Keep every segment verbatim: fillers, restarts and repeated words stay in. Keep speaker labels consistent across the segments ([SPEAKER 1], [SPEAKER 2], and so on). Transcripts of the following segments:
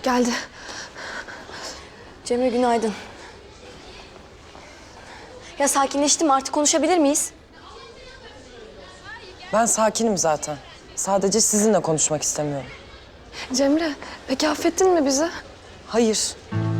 [SPEAKER 1] Geldi. Cemre günaydın. Ya sakinleştim mi? Artık konuşabilir miyiz?
[SPEAKER 2] Ben sakinim zaten. Sadece sizinle konuşmak istemiyorum.
[SPEAKER 1] Cemre, peki affettin mi bizi?
[SPEAKER 2] Hayır.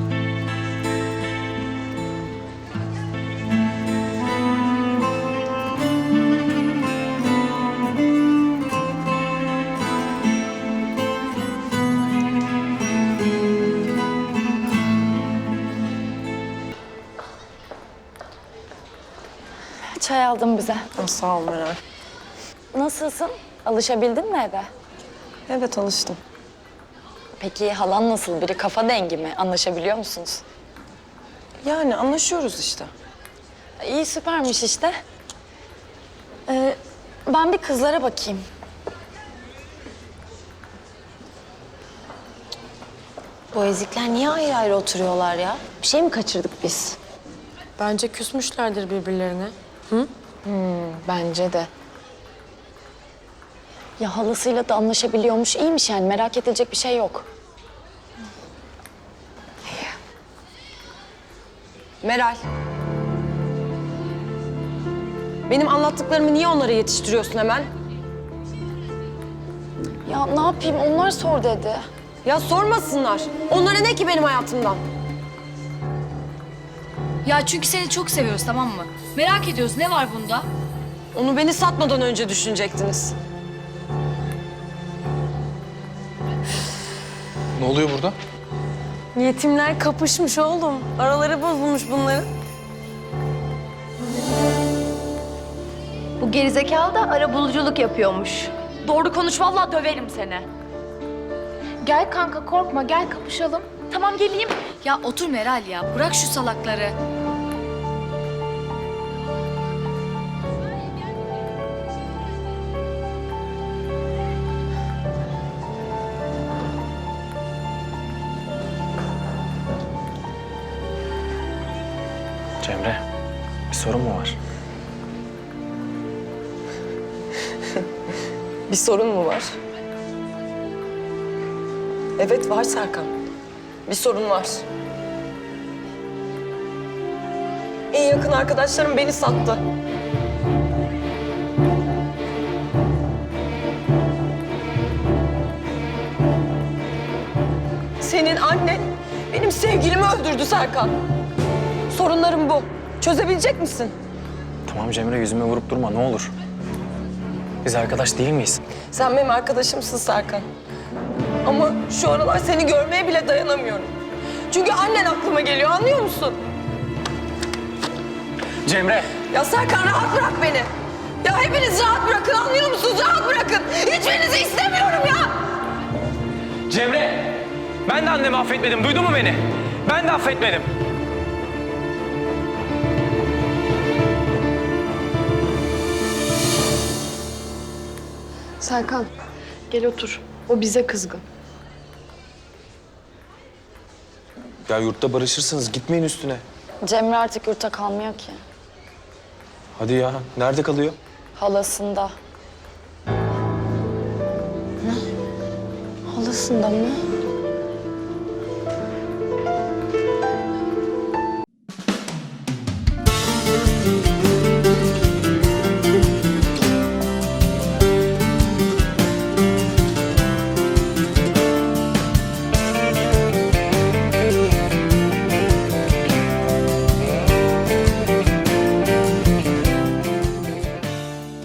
[SPEAKER 3] Çay aldım bize.
[SPEAKER 2] Ha, sağ ol Meral.
[SPEAKER 3] Nasılsın? Alışabildin mi eve?
[SPEAKER 2] Evet, alıştım.
[SPEAKER 3] Peki halan nasıl biri? Kafa dengi mi? Anlaşabiliyor musunuz?
[SPEAKER 2] Yani anlaşıyoruz işte.
[SPEAKER 3] İyi, süpermiş işte. Ee, ben bir kızlara bakayım.
[SPEAKER 4] Bu ezikler niye ayrı ayrı oturuyorlar ya? Bir şey mi kaçırdık biz?
[SPEAKER 1] Bence küsmüşlerdir birbirlerine.
[SPEAKER 3] Bence de. Ya halasıyla da anlaşabiliyormuş. İyiymiş yani. Merak edilecek bir şey yok.
[SPEAKER 2] Meral. Benim anlattıklarımı niye onlara yetiştiriyorsun hemen?
[SPEAKER 3] Ya ne yapayım? Onlar sor dedi.
[SPEAKER 2] Ya sormasınlar. Onlara ne ki benim hayatımdan?
[SPEAKER 5] Ya çünkü seni çok seviyoruz, tamam mı? Merak ediyoruz, ne var bunda?
[SPEAKER 2] Onu beni satmadan önce düşünecektiniz.
[SPEAKER 6] Ne oluyor burada?
[SPEAKER 2] Yetimler kapışmış oğlum. Araları bozulmuş bunların.
[SPEAKER 5] Bu gerizekalı da arabuluculuk yapıyormuş. Doğru konuş, vallahi döverim seni. Gel kanka, korkma, gel kapışalım. Tamam, geleyim. Ya otur Meral ya, bırak şu salakları.
[SPEAKER 6] Cemre, bir sorun mu var?
[SPEAKER 2] Bir sorun mu var? Evet, var Serkan. Bir sorun var. En yakın arkadaşlarım beni sattı. Senin annen benim sevgilimi öldürdü Serkan. Sorunlarım bu. Çözebilecek misin?
[SPEAKER 6] Tamam Cemre, yüzüme vurup durma ne olur. Biz arkadaş değil miyiz?
[SPEAKER 2] Sen benim arkadaşımsın Serkan. Ama şu aralar seni görmeye bile dayanamıyorum. Çünkü annen aklıma geliyor, anlıyor musun?
[SPEAKER 6] Cemre!
[SPEAKER 2] Ya Serkan, rahat bırak beni. Ya hepiniz rahat bırakın, anlıyor musunuz? Rahat bırakın. Hiçbirinizi istemiyorum ya.
[SPEAKER 6] Cemre! Ben de annemi affetmedim, duydun mu beni? Ben de affetmedim.
[SPEAKER 1] Serkan, gel otur. O bize kızgın.
[SPEAKER 6] Ya yurtta barışırsınız, gitmeyin üstüne.
[SPEAKER 3] Cemre artık yurtta kalmıyor ki.
[SPEAKER 6] Hadi ya, nerede kalıyor?
[SPEAKER 3] Halasında.
[SPEAKER 1] Halasında mı?